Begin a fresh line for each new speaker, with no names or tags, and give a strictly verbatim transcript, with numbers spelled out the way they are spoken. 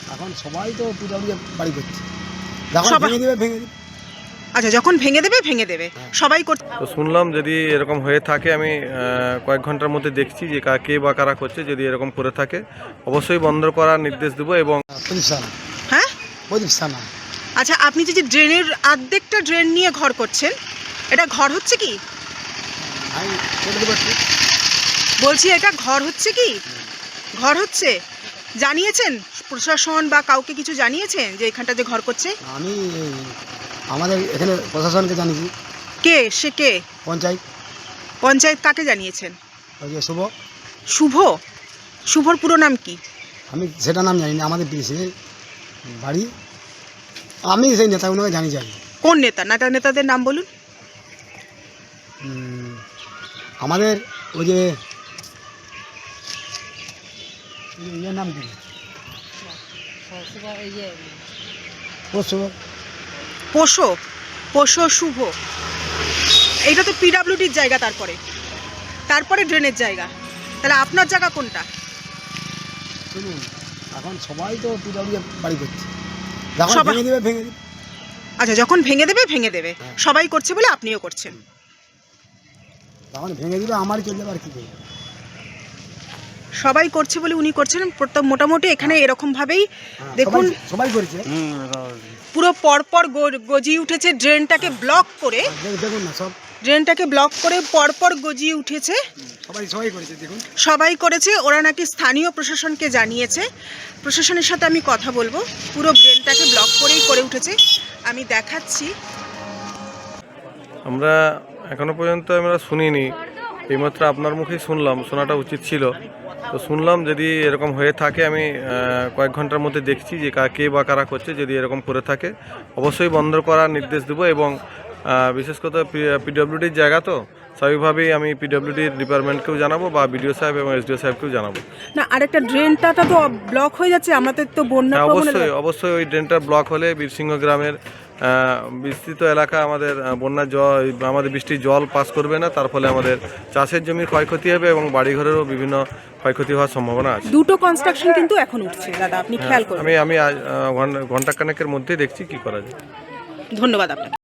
এখন সবাই তো পিডব্লিউ বাড়ি করছে, যখন ভেঙে দেবে ভেঙে দেবে।
আচ্ছা, যখন ভেঙে দেবে ভেঙে দেবে সবাই করছে।
তো শুনলাম যদি এরকম হয়ে থাকে আমি কয়েক ঘন্টার মধ্যে দেখছি যে কে বা কারা করছে। যদি এরকম করে থাকে অবশ্যই বন্ধ করার নির্দেশ দেবো। এবং
প্রদীপ সানা।
হ্যাঁ,
প্রদীপ সানা।
আচ্ছা, আপনি যে ড্রেনের অর্ধেকটা ড্রেন নিয়ে ঘর করছেন, এটা ঘর হচ্ছে কি?
আমি কেটে দেবো একটু।
বলছি এটা ঘর হচ্ছে কি? ঘর হচ্ছে। জানিয়েছেন প্রশাসন বা কাউকে কিছু জানিয়েছেন যে এখানটা যে ঘর করছে?
আমি আমাদের এখানে প্রশাসনকে জানিয়েছি।
কে সে কে?
পঞ্চায়েত।
পঞ্চায়েত কাকে জানিয়েছেন?
ওই যে শুভ।
শুভ? শুভর পুরো নাম কি?
আমি সেটা নাম জানি না। আমাদের পিছিয়ে বাড়ি, আমি সেই নেতাগুলোকে জানি জানি।
কোন নেতা? নেতা নেতাদের নাম বলুন।
আমাদের ওই যে ইয়ের নাম কি? পশু
পোষো পোষো শুভ। এইটা তো পিডাব্লিউডির জায়গা, তারপরে তারপরে ড্রেনের জায়গা। তাহলে আপনার জায়গা কোনটা?
শুনুন, এখন সবাই তো পিডব্লিউ বাড়ি করছে, যখন
সবাই-
ভেঙে দেবে ভেঙে দেবে।
আচ্ছা, যখন ভেঙে দেবে ভেঙে দেবে সবাই করছে বলে আপনিও করছেন।
যখন ভেঙে দেবে আমারই চলে যাবে, আর কি করবে?
সবাই করছে বলে উনি করছেন। প্রত্যেক মোটামুটি এখানে এরকম ভাবেই দেখুন,
সবাই- সবাই করেছে।
পুরো পরপর গ- গজিয়ে উঠেছে ড্রেনটাকে ব্লক করে।
দেখ- দেখুন না, সব
ড্রেনটাকে ব্লক করে পরপর গজিয়ে উঠেছে।
সবাই সবাই করেছে, দেখুন।
সবাই করেছে। ওরা নাকি স্থানীয় প্রশাসনকে জানিয়েছে। প্রশাসনের সাথে আমি কথা বলবো। পুরো ড্রেনটাকে ব্লক করেই করে উঠেছে। আমি দেখাচ্ছি।
আমরা এখনো পর্যন্ত আমরা শুনিনি, এইমাত্র আপনার মুখেই শুনলাম। শোনাটা উচিত ছিল। তো শুনলাম যদি এরকম হয়ে থাকে আমি কয়েক ঘন্টার মধ্যে দেখছি যে কে বা কারা করছে। যদি এরকম করে থাকে অবশ্যই বন্ধ করার নির্দেশ দেবো। এবং বিশেষ করে পিডব্লিউডির জায়গা, তো স্বাভাবিকভাবেই আমি পিডব্লিউডির ডিপার্টমেন্টকেও জানাবো বা বিডিও সাহেব এবং এসডিও সাহেবকেও জানাবো।
না, আরেকটা ড্রেনটা তো ব্লক হয়ে যাচ্ছে। আমাদের তো বন্যা
হ্যাঁ,
প্রবণ
অবশ্যই
এলাকা।
অবশ্যই ওই ড্রেনটা ব্লক হলে বীরসিংহ গ্রামের বিস্তৃত এলাকা আমাদের বন্যার জল, আমাদের বৃষ্টির জল পাস করবে না। তার ফলে আমাদের চাষের জমির ক্ষয়ক্ষতি হবে এবং বাড়িঘরেরও বিভিন্ন ক্ষয়ক্ষতি হওয়ার সম্ভাবনা আছে।
দুটো কনস্ট্রাকশন কিন্তু এখন উঠছে দাদা, আপনি খেয়াল করুন।
আমি আমি ঘন্টা খানেকের মধ্যেই দেখছি কি করা যায়।
ধন্যবাদ আপনাকে।